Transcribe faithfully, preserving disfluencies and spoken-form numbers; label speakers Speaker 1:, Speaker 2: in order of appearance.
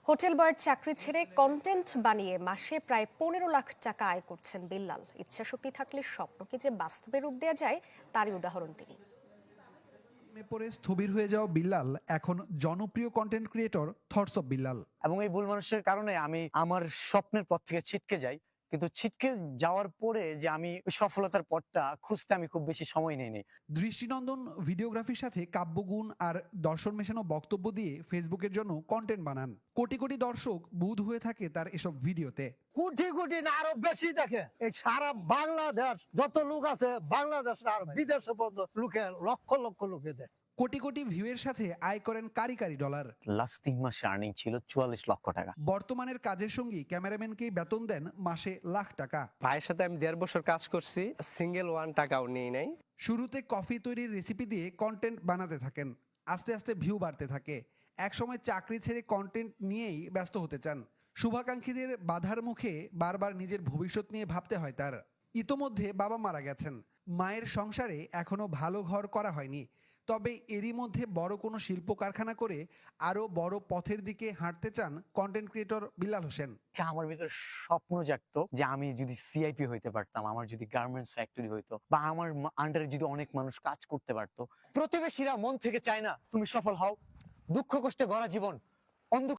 Speaker 1: Hotel বয়ের চাকরি ছেড়ে কন্টেন্ট বানিয়ে মাসে প্রায় পনেরো লাখ টাকা আয় করছেন বিল্লাল। ইচ্ছাশক্তি থাকলে স্বপ্নকে যে বাস্তবে রূপ দেওয়া যায় তারই উদাহরণ তিনি।
Speaker 2: মে পরে স্থবির হয়ে যাওয়া বিল্লাল এখন জনপ্রিয় content creator thoughts of Billal.
Speaker 3: এবং এই ভুল মানুষের কারণে আমি আমার স্বপ্নের পথ থেকে ছিটকে যাই, কিন্তু ছিটকে যাওয়ার পরে যে আমি সফলতার পথটা খুঁজতে আমি খুব বেশি সময় নেই নেই
Speaker 2: দৃষ্টিনন্দন ভিডিওগ্রাফির সাথে কাব্যগুণ আর দর্শন মেশানো বক্তব্য দিয়ে ফেসবুকের জন্য কন্টেন্ট বানান। কোটি কোটি দর্শক বুঁদ হয়ে থাকে তার এসব ভিডিওতে।
Speaker 4: কোটি কোটি না আরো বেশি দেখে। এই সারা বাংলাদেশ যত লোক আছে, বাংলাদেশ আর বিদেশে পর্যন্ত লোকে লক্ষ লক্ষ লোকে দেয়।
Speaker 2: কোটি কোটি ভিউয়ের সাথে আয় করেন কারি কারি ডলার।
Speaker 3: লাস্ট তিন মাসে আর্নিং ছিল চুয়াল্লিশ লক্ষ টাকা।
Speaker 2: বর্তমানের কাজের সঙ্গী ক্যামেরাম্যানকেই বেতন দেন মাসে লাখ টাকা।
Speaker 5: ভাইয়ের সাথে আমি দেড় বছর কাজ করছি, সিঙ্গেল ওয়ান টাকাও নিই নাই।
Speaker 2: শুরুতে কফি তৈরির রেসিপি দিয়ে কন্টেন্ট বানাতে থাকেন, আস্তে আস্তে ভিউ বাড়তে থাকে। একসময় চাকরি ছেড়ে কন্টেন্ট নিয়েই ব্যস্ত হতে চান। শুভাকাঙ্ক্ষীদের বাধার মুখে বারবার নিজের ভবিষ্যৎ নিয়ে ভাবতে হয় তার। ইতোমধ্যে বাবা মারা গেছেন, মায়ের সংসারে এখনো ভালো ঘর করা হয়নি। তবে এরই মধ্যে বড় কোনো শিল্প কারখানা করে আরো বড় পথের দিকে হাঁটতে চান কন্টেন্ট ক্রিয়েটর বিল্লাল হোসেন।
Speaker 3: আমার ভিতরে স্বপ্ন জাগতো যে আমি যদি সিআইপি হইতে পারতাম, আমার যদি গার্মেন্টস ফ্যাক্টরি হইতো, বা আমার আন্ডারে যদি অনেক মানুষ কাজ করতে পারতো। প্রতিবেশীরা মন থেকে চায় না তুমি সফল হও। দুঃখ কষ্টে গড়া জীবন অন্ধকার